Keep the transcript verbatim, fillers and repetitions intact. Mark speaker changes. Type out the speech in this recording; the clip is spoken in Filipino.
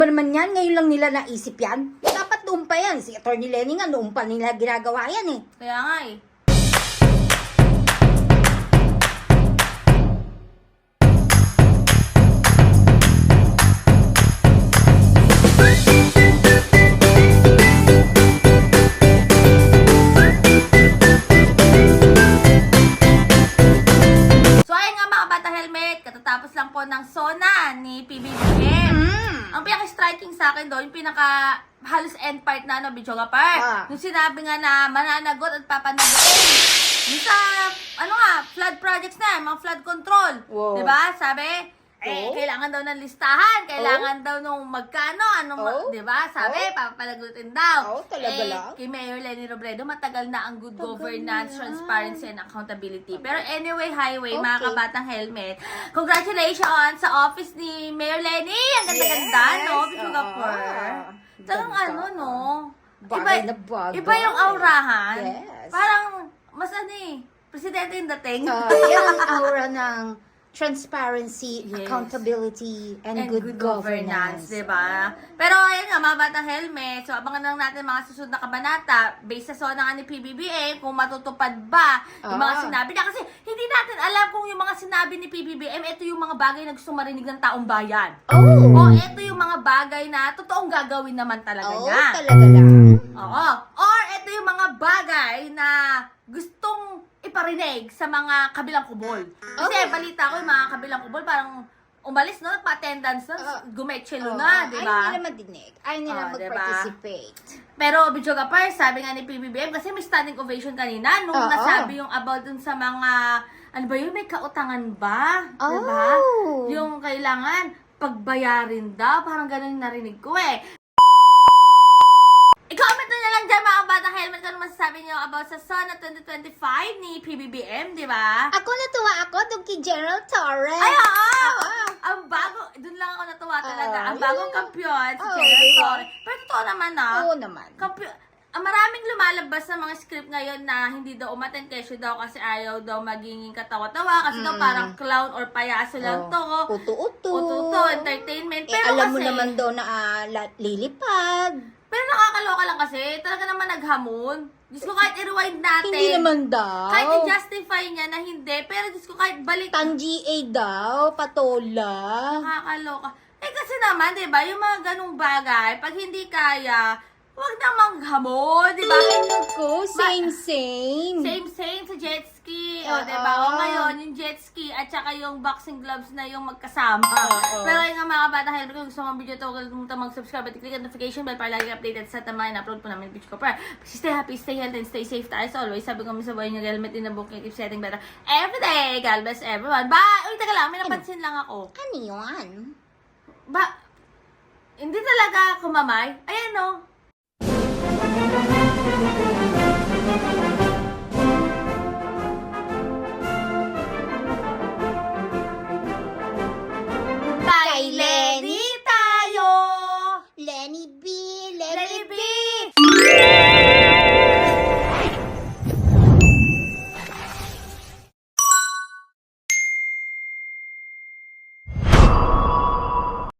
Speaker 1: Ba naman yan, ngayon lang nila naisip yan. Dapat noon pa yan. Si Atty. Lenny nga, noon pa nila ginagawa yan eh.
Speaker 2: Kaya nga eh. So ayun nga mga bata helmet, katatapos lang po ng SONA ni P B B M.
Speaker 1: Mm.
Speaker 2: Ang pinaka-striking sa akin doon, yung pinaka halos end part na ano, Bichoga Park.
Speaker 1: Ah.
Speaker 2: Yung sinabi nga na mananagot at papanagutin. Yung sa, ano nga, flood projects na, mga flood control.
Speaker 1: Wow.
Speaker 2: Diba? Sabi, eh,
Speaker 1: Oh.
Speaker 2: kailangan daw ng listahan, kailangan daw nung magkano, anong, ma-
Speaker 1: Oh.
Speaker 2: diba? Sabi,
Speaker 1: Oh.
Speaker 2: papalagutin daw.
Speaker 1: Oh, talaga
Speaker 2: eh,
Speaker 1: lang?
Speaker 2: Kay Mayor Lenny Robredo, matagal na ang good
Speaker 1: Tagal
Speaker 2: governance,
Speaker 1: na.
Speaker 2: transparency, and accountability. Pero anyway, highway, mga
Speaker 1: Okay.
Speaker 2: kabatang helmet, congratulations sa office ni Mayor Lenny! Ang ganda-ganda,
Speaker 1: Yes.
Speaker 2: no? Singapore.
Speaker 1: Ah,
Speaker 2: Talagang
Speaker 1: ganda.
Speaker 2: ano, no?
Speaker 1: Bagay na bagay.
Speaker 2: Iba yung aurahan.
Speaker 1: Yes.
Speaker 2: Parang, mas ano eh, presidente yung dating.
Speaker 1: Ah, yan ang aura ng transparency,
Speaker 2: Yes.
Speaker 1: accountability, and,
Speaker 2: And
Speaker 1: good, governance.
Speaker 2: diba? Pero ayun nga, mga batang helmet. So, abangan lang natin mga susunod na kabanata based sa SONA nga ni P B B M kung matutupad ba yung mga
Speaker 1: Ah.
Speaker 2: sinabi na. Kasi hindi natin alam kung yung mga sinabi ni P B B M, ito yung mga bagay na gusto marinig ng taong bayan.
Speaker 1: Oh!
Speaker 2: O ito yung mga bagay na totoong gagawin naman talaga
Speaker 1: Oh,
Speaker 2: niya.
Speaker 1: talaga lang.
Speaker 2: Oo. Or ito yung mga bagay na gustong iparinig sa mga kabilang kubol. Kasi
Speaker 1: Okay.
Speaker 2: balita ko yung mga kabilang kubol parang umalis, no? Nagpa-attendance na,
Speaker 1: Ah.
Speaker 2: gumetselo
Speaker 1: Oh,
Speaker 2: na, di ba?
Speaker 1: Ayaw nila madinig. Ayaw nila
Speaker 2: Oh, diba?
Speaker 1: mag-participate.
Speaker 2: Pero, Bichoga Par, sabi nga ni P B B M, kasi may standing ovation kanina, nung
Speaker 1: Oo.
Speaker 2: nasabi yung about dun sa mga, ano ba yun, may kautangan ba? Di ba?
Speaker 1: Oh.
Speaker 2: Yung kailangan, pagbayarin daw, parang ganun yung narinig ko eh. I-comment nyo na lang dyan mga batang helmet kung ano masasabi nyo about sa SONA twenty twenty-five ni P B B M, di ba?
Speaker 1: Ako natuwa ako doon kay General Torres.
Speaker 2: Ay, oo!
Speaker 1: Oo.
Speaker 2: Ang bago, dun lang ako natuwa talaga.
Speaker 1: Oo,
Speaker 2: Ang bagong
Speaker 1: yun lang.
Speaker 2: kampiyon, si
Speaker 1: Oo,
Speaker 2: General
Speaker 1: diba?
Speaker 2: Torres. Pero totoo naman ah,
Speaker 1: Oo naman.
Speaker 2: kampiyon, ang maraming lumalabas sa mga script ngayon na hindi daw umattend kesyo daw kasi ayaw daw maging katawa-tawa kasi daw
Speaker 1: Mm.
Speaker 2: parang clown or payaso lang
Speaker 1: Oh,
Speaker 2: to.
Speaker 1: Uto-uto.
Speaker 2: Ututo, entertainment.
Speaker 1: Eh,
Speaker 2: Pero
Speaker 1: alam mo
Speaker 2: kasi,
Speaker 1: naman daw na ah, la- lilipad.
Speaker 2: pero nakakaloka lang kasi, talaga naman naghamon. Diyos ko, kahit i-rewind natin.
Speaker 1: Hindi naman daw.
Speaker 2: Kahit i-justify niya na hindi, pero Diyos ko, kahit balik,
Speaker 1: Tang G A daw, patola.
Speaker 2: nakakaloka. Eh kasi naman, di ba, yung mga ganung bagay, pag hindi kaya, huwag namang hamon, di ba?
Speaker 1: Ay, naku, same, same.
Speaker 2: Same, same sa jet ski. O,
Speaker 1: Oo.
Speaker 2: di ba? O ngayon, yung jet ski at saka yung boxing gloves na yung magkasama.
Speaker 1: Oo.
Speaker 2: Pero yung nga mga kabata, helmet kung gusto mong video to, huwag kalimutan mag-subscribe at click ang notification bell para lagi updated sa tama na upload po namin video ko. Pero, stay happy, stay healthy, and stay safe tayo as always. Sabi ko sa buhay nyo, helmet in the book, keep setting better every day. God bless everyone. Bye! Uy, taga lang, may napansin lang ako.
Speaker 1: Ano yun?
Speaker 2: Ba, hindi talaga kumamay. Ayan, no?